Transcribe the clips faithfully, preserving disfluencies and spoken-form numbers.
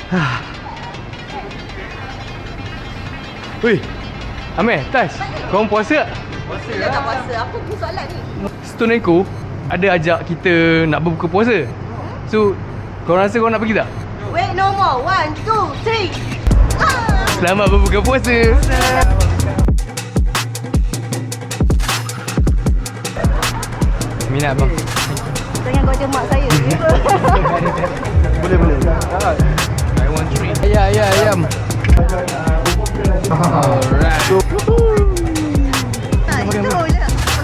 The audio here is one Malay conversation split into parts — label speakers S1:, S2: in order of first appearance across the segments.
S1: Wih, Amir, Tash, korang puasa tak?
S2: Puasa lah. Tak puasa. Apa pun soalan ni?
S1: Stone and Co ada ajak kita nak berbuka puasa. So, korang rasa korang nak pergi tak?
S2: Wait, no more. One, two, three. Ah!
S1: Selamat berbuka puasa. Minat bang.
S2: Jangan kau macam mak saya.
S3: Boleh, boleh.
S1: I want three. Ya, ya, ayam. Alright.
S2: Ah, itu je.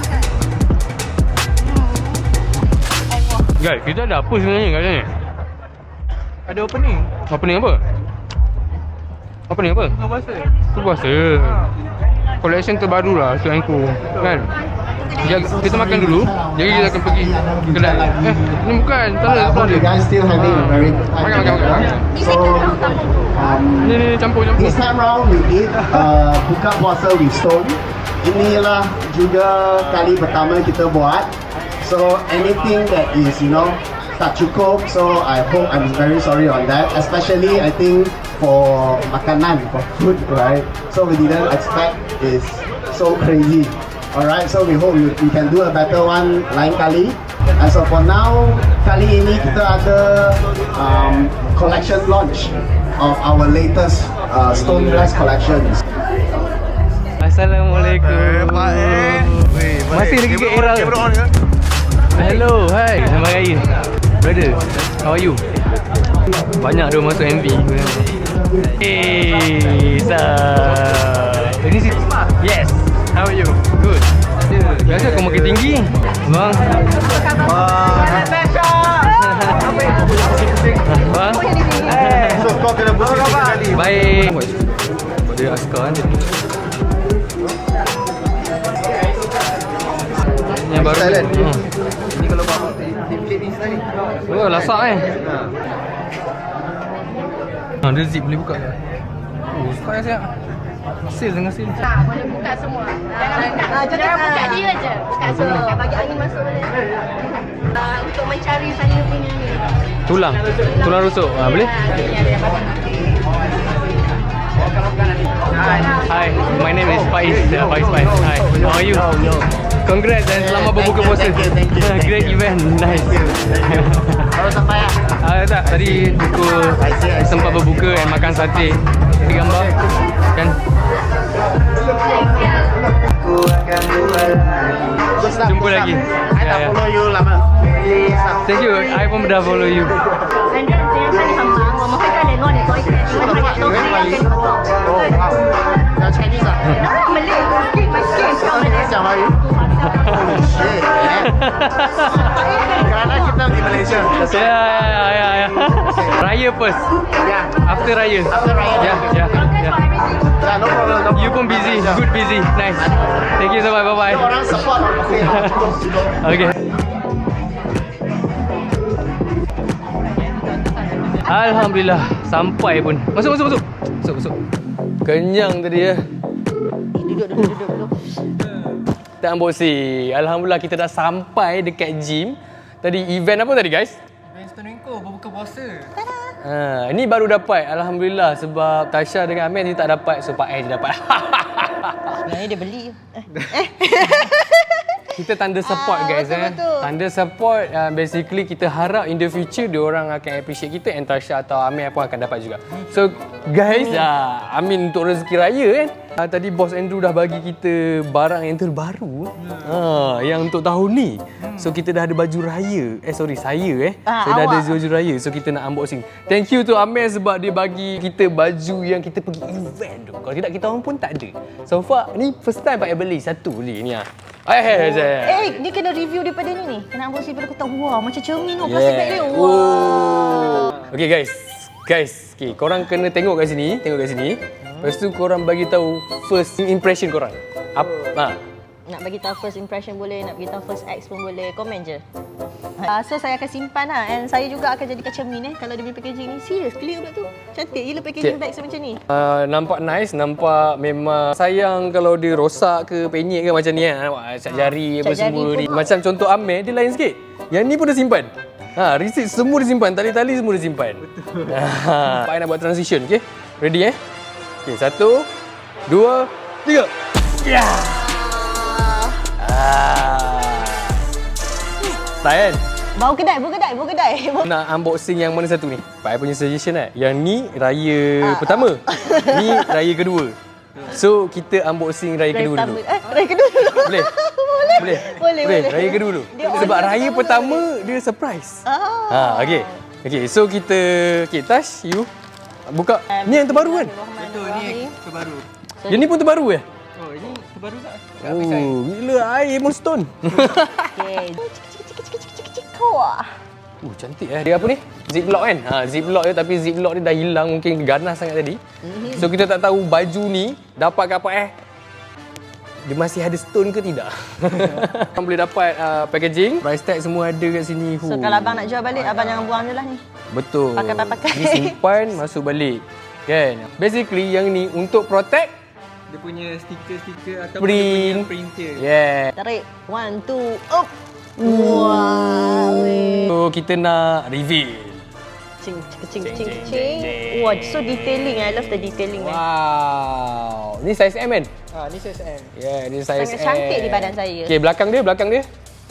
S1: Guys, kita ada apa sebenarnya kat sini?
S3: Ada opening.
S1: Opening apa? Opening apa?
S3: Buka puasa.
S1: Tu puasa. Collection terbaru lah, Stone and Co. Kan? Jaga, kita makan dulu, jadi kita akan pergi kedai. Eh, ni bukan. Tak ada.
S4: I hope you guys still having a very good time.
S1: Makan, makan, makan.
S4: So, um,
S1: Ni, ni, campur-campur.
S4: this time round we did uh, buka puasa with Stone. Inilah juga kali pertama kita buat. So anything that is, you know, tak cukup, so I hope, I'm very sorry on that. Especially I think for makanan, for food, right? So we didn't expect is so crazy. Alright, so we hope we, we can do a better one lain kali. And so for now, kali ini kita ada um, collection launch of our latest uh, Stone Glass collections.
S1: Assalamualaikum. Masih lagi ke era ke? Hello, hi. Selamat Raya. Brother, how are you? Banyak dia masuk M V. Hey, sir. Ini si. Yes. How are you? Good. Biasa kau makin tinggi. Bang. Bang.
S3: So kau kena buka tiga kali.
S1: Baik. Pada askar kan jadi. Yang baru
S3: Thailand.
S1: hmm.
S3: Ni kalau bawa di plate ni sekali.
S1: Oh, lasak eh. Ha, dia zip boleh buka. Oh, suka siap. Seal dengan seal.
S2: Tak, boleh buka semua. Jangan, jangan buka dia je. Buka semua. Bagi angin masuk boleh. Uh, untuk mencari saya punya ni.
S1: Tulang. Tulang rusuk. Ha, boleh?
S2: Ni ada yang baru.
S1: Hi, my name is Faiz. Uh, Faiz Faiz. Hi. How are you? Congrats dan selamat berbuka puasa. Great event. Nice.
S4: Baru sampai ya?
S1: Ah, tak, tadi pukul sempat berbuka dan makan sate. Kita gambar kan. Jumpa lagi.
S4: I dah follow you lama.
S1: Thank you. I pun dah follow you.
S2: 反正今天看你很忙，我们会再联络你多一点，因为他也都是要跟你合作。
S4: 哦，好，要 Chinese 啊？
S2: 然后我们练 skin by skin，我们
S4: 讲华语。Shit. Kerana kita di Malaysia.
S1: Ya, ya, ya, ya. Raya first.
S4: Yeah.
S1: After Raya.
S4: After Raya.
S1: Ya, ya, ya.
S4: Yeah, no problem. No
S1: You pun busy. Good busy. Nice. Thank you so much. Bye bye.
S4: Orang support. Okay.
S1: Okay. Alhamdulillah sampai pun. Masuk masuk masuk. Masuk masuk. Kenyang tadi ya.
S2: Duduk duduk duduk duduk.
S1: Tak unboxing. Alhamdulillah kita dah sampai dekat gym. Tadi event apa tadi guys?
S3: Event Stone and Co berbuka puasa.
S1: Ha, ni baru dapat. Alhamdulillah sebab Tasha dengan Amir ni tak dapat, so Pak Air je dapat.
S2: Sebenarnya dia beli.
S1: Kita tanda support
S2: Ah,
S1: guys
S2: betul,
S1: eh.
S2: betul.
S1: Tanda support uh, basically kita harap in the future dia orang akan appreciate kita and Tasha atau Amir pun akan dapat juga. So guys, uh, Amin untuk rezeki raya kan. Uh, tadi Bos Andrew dah bagi kita barang yang terbaru. Uh, yang untuk tahun ni. So kita dah ada baju raya. Eh sorry, saya eh.
S2: Ah,
S1: saya dah ada
S2: awak.
S1: baju raya. So kita nak unboxing. Thank you to Amir sebab dia bagi kita baju yang kita pergi event tu. Kalau tidak kita orang pun tak ada. So far ni first time Pak Air beli satu beli ni ah. Eh, eh, eh.
S2: Eh, ni kena review daripada ni ni. Kena unboxing daripada aku tahu. Wah, macam cermin tu plastik bag dia. Wah.
S1: Oh. Okay guys. Guys, okay, korang kena tengok kat sini, tengok kat sini. Lepas tu korang bagi tahu first impression korang. Apa? Ha.
S2: Nak bagi tahu first impression boleh, nak bagi tahu first ex pun boleh. Komen je. Uh, so saya akan simpan lah. And saya juga akan jadikan cermin eh. Kalau dia punya packaging ni, serius clear pula tu. Cantik gila packaging
S1: Okay.
S2: bag macam ni.
S1: Uh, nampak nice, nampak memang sayang kalau dia rosak ke penyek ke macam ni kan. Nampak cat jari apa
S2: cat jari
S1: semua
S2: pun.
S1: ni. Macam contoh Amir dia lain sikit. Yang ni pun dah simpan. Ha, receipt semua disimpan, tali-tali semua disimpan. Betul. Ha, Pak nak buat transition, okey? Ready eh? Okey, satu, dua, tiga. Ya. Yeah. Ah. Tak kan?
S2: Bau kedai, bau kedai, bau kedai.
S1: Nak unboxing yang mana satu ni? Pak punya suggestion eh. Yang ni raya
S2: Ah.
S1: pertama. Ni raya kedua. So, kita unboxing raya kedua dulu.
S2: Eh, raya kedua dulu.
S1: Boleh?
S2: boleh.
S1: Boleh?
S2: Boleh, boleh.
S1: Raya kedua dulu.
S2: Dia
S1: Sebab
S2: order
S1: raya
S2: pertama
S1: pertama dia surprise.
S2: Ah.
S1: Ha, okey. Okey, so kita okey, Tash, you buka. Ni yang terbaru kan?
S3: Betul, ni terbaru.
S1: Yang ni pun terbaru eh?
S3: Oh, ini terbaru tak?
S1: Oh, gila air Moonstone.
S2: Okey. Cik, cik, cik, cik, cik, cik, wah.
S1: Uh, cantik eh. Dia apa ni? Ziplock kan? Ha, ziplock dia tapi ziplock dia dah hilang, mungkin ganas sangat tadi. So kita tak tahu baju ni dapat ke apa eh. Dia masih ada stone ke tidak? Abang boleh dapat uh, packaging, price tag semua ada kat sini.
S2: So kalau abang nak jual balik, abang jangan buang je lah ni.
S1: Betul.
S2: Pakai-pakai.
S1: Ni simpan, masuk balik. Kan? Basically yang ni untuk protect
S3: Dia punya stiker-stiker ataupun
S1: Print.
S3: dia punya printer.
S1: yeah.
S2: Tarik. One, two, up. Wow. weh.
S1: So kita nak reveal.
S2: Cing, cing, cing,
S1: Cing,
S2: cing,
S1: cing,
S2: cing.
S1: cing.
S2: Wah, so detailing. I love the detailing, man.
S1: Wow. Ni size M kan?
S3: Ah, ni size M.
S1: Yeah, ni size
S2: Sangat
S1: M.
S2: cantik di badan saya.
S1: Okay, belakang dia, belakang dia.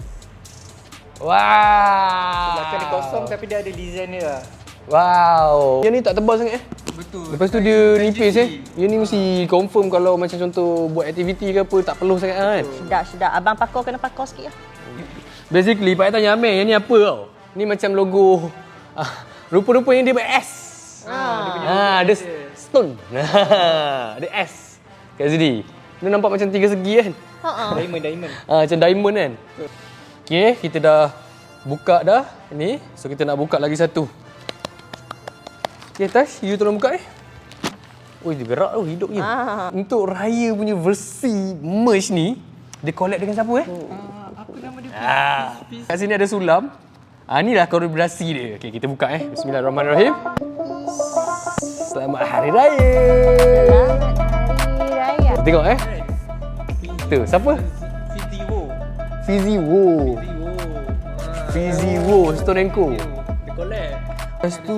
S1: Wow.
S3: Belakang dia kosong tapi dia ada design dia lah.
S1: Wow. Yang ni tak tebal sangat eh.
S3: Betul.
S1: Lepas tu dia nipis eh. Yang ni mesti confirm kalau macam contoh buat aktiviti ke apa tak perlu sangat kan.
S2: Sedap, sedap. Abang pakar kena pakar sikit lah.
S1: Basically, Pak tanya Amir, yang ni apa tau? Ni macam logo. Ah, rupa-rupanya dia ber-S. Ah, ada stone. Ada S kat sini. Dia nampak macam tiga segi kan?
S2: Ha-ha.
S3: Diamond, diamond.
S1: Ah, macam diamond kan? Okay, kita dah buka dah ni. So, kita nak buka lagi satu. Okay, Tash, you tolong buka eh. Oh, dia gerak tu, hidup je.
S2: Ah.
S1: Untuk raya punya versi merch ni, dia collab dengan siapa eh?
S3: Ah, apa nama dia?
S1: Ah. Kat sini ada sulam. Ah, inilah kolaborasi dia. Okay, kita buka eh. Bismillahirrahmanirrahim. Selamat Hari Raya.
S2: Selamat Hari Raya.
S1: Tengok eh. Tu, siapa?
S3: Fizi Wo.
S1: Fizi Wo.
S3: Fizi Wo.
S1: Fizi Wo, Stone and Co.
S3: Dia collab.
S1: Lepas tu,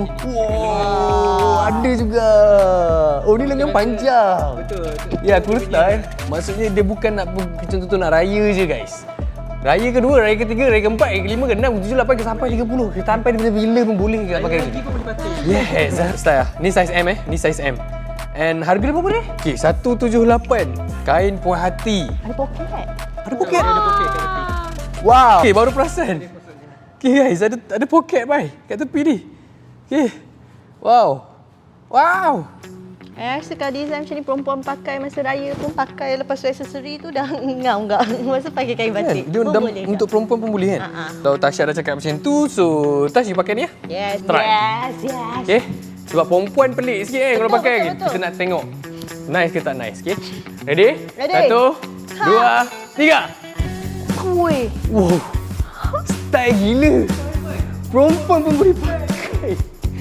S1: wow, ada juga. Oh, ni lengan panjang.
S3: Betul.
S1: Ya, aku letak eh. Maksudnya dia bukan nak macam tu nak raya je guys. Raya kedua, raya ketiga, raya keempat, raya kelima, keenam, ketujuh, lapan, ke sampai tiga puluh. Sampai bila-bila pun boleh kita pakai lagi.
S3: Lagi pun boleh pakai.
S1: Yes, style. Ni size M eh. Ni size M. And harga dia berapa ni? Okay, seratus tujuh puluh lapan. Kain puas hati.
S2: Ada poket.
S1: Ada poket?
S3: Ada poket kat tepi.
S1: Wow. Okay, baru perasan. Okay guys, ada ada poket bai kat tepi ni. Okay. Wow. Wow.
S2: I rasa kalau design macam ni perempuan pakai masa raya pun pakai lepas tu aksesori tu dah ngam enggak. Masa pakai kain
S1: Kan?
S2: batik.
S1: Dia
S2: pun
S1: dam,
S2: boleh
S1: untuk perempuan pun boleh kan?
S2: Ha-ha.
S1: Kalau Tasha dah cakap macam tu, so Tash you pakai ni ya?
S2: Yes,
S1: Try.
S2: yes, yes.
S1: Okay. Sebab perempuan pelik sikit kan kalau
S2: Betul,
S1: pakai.
S2: betul, betul.
S1: Kita nak tengok nice ke tak nice. Okay. Ready?
S2: Ready.
S1: Satu,
S2: Ha.
S1: dua, tiga.
S2: Ui.
S1: Wow. Style gila. Perempuan pun boleh pakai.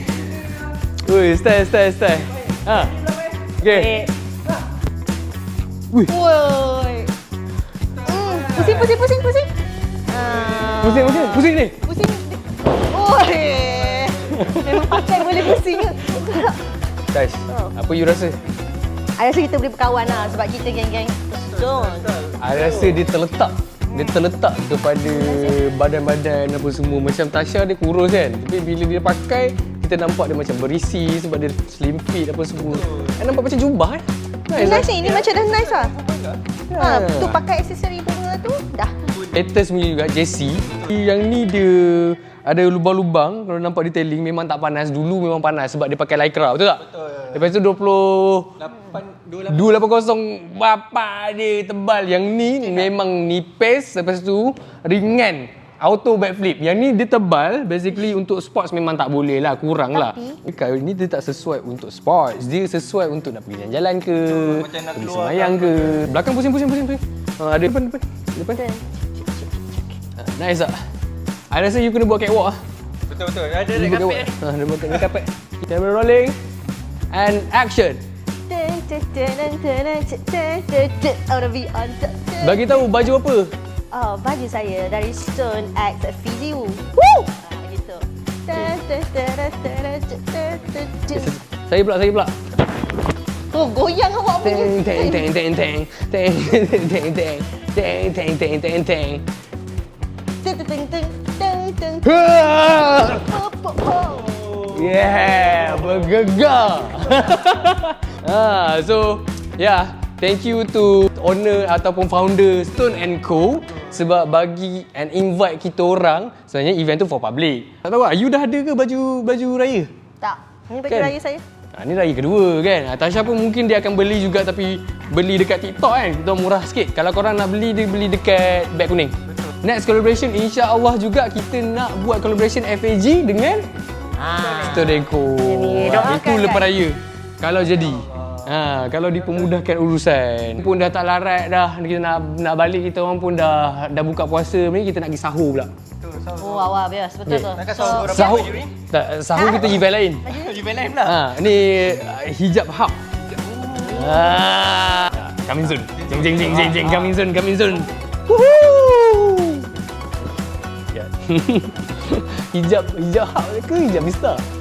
S1: Ui, style, style, style. Ha. Okay. Wih.
S2: Woi. Hmm. Pusing, pusing, pusing, pusing. Ah.
S1: Pusing, pusing, pusing ni.
S2: Pusing. Oi. Memang pakai boleh pusing ke?
S1: Tash,
S2: Oh.
S1: apa you rasa?
S2: I rasa kita boleh berkawan lah sebab kita geng-geng Stone.
S1: I rasa dia terletak dia terletak kepada badan-badan apa semua. Macam Tasha dia kurus kan, tapi bila dia pakai kita nampak dia macam berisi sebab dia slim fit apa semua. I nampak macam jubah eh.
S2: Nice ni, ni macam dah nice lah. Ha,
S1: Ya.
S2: tu pakai aksesori bunga tu dah.
S1: Latest punya juga Jessie. Yang ni dia ada lubang-lubang. Kalau nampak detailing memang tak panas. Dulu memang panas sebab dia pakai lycra, betul tak?
S3: Betul.
S1: Lepas tu dua puluh
S3: lapan dua lapan.
S1: dua lapan kosong bapak dia tebal. Yang ni memang nipis, lepas tu ringan. Auto backflip. Yang ni dia tebal, basically untuk sports memang tak boleh lah, kurang lah. Kali ni dia tak sesuai untuk sports. Dia sesuai untuk nak pergi jalan-jalan ke,
S3: macam nak
S1: pergi
S3: keluar
S1: semayang ke. Belakang pusing pusing pusing pusing. Ha, ada depan depan. Depan.
S2: Betul.
S1: Ha, nice tak? I rasa you kena buat catwalk ah.
S3: Betul betul. Ada
S1: You
S3: dekat
S1: buat
S3: kapek.
S1: catwalk. Ha, dia buat kat kapek. Camera rolling and action.
S2: Dun, dun, dun, dun, dun, dun, dun, dun, dun. I wanna be on top. Dun.
S1: Bagi tahu baju apa?
S2: Oh, baju saya dari Stone X Fizi Wu. Woo!
S1: Saya pula, saya pula.
S2: Oh, goyang awak punya.
S1: Teng teng teng teng teng teng teng teng teng teng teng teng teng.
S2: Teng teng teng teng teng.
S1: Ha!
S2: Po, po, po.
S1: Yeah, bergegar. ah, so yeah, thank you to owner ataupun founder Stone and Co sebab bagi and invite kita orang. Sebenarnya event tu for public. Tak tahu ah, you dah ada ke baju baju raya?
S2: Tak. Ini baju
S1: Kan?
S2: raya saya.
S1: Ha, ni raya kedua kan. Ha, Tasha pun mungkin dia akan beli juga tapi beli dekat TikTok kan. Kita murah sikit. Kalau korang nak beli, dia beli dekat beg kuning. Next collaboration insya-Allah juga kita nak buat collaboration F A G dengan
S2: Ah.
S1: Stone and Co.
S2: Jadi,
S1: Ha,
S2: doakan
S1: itu lepas
S2: kan?
S1: raya. Kalau jadi. Ha, kalau dipermudahkan urusan. Pun dah tak larat dah. Kita nak nak balik, kita orang pun dah dah buka puasa ni, kita nak pergi sahur pula.
S2: Oh, awak bias. Betul
S1: Okay.
S2: tu.
S3: Nak kasi
S2: So,
S3: berapa
S1: Sahur.
S3: baju ni?
S1: Tak, sahur kita event lain.
S3: Event lain pula.
S1: Ha, ni uh, hijab hub. Ah, coming soon. Jeng jeng jeng jeng jeng coming soon, coming soon. Woohoo! Ya. hijab hijab hub ke hijab Mister?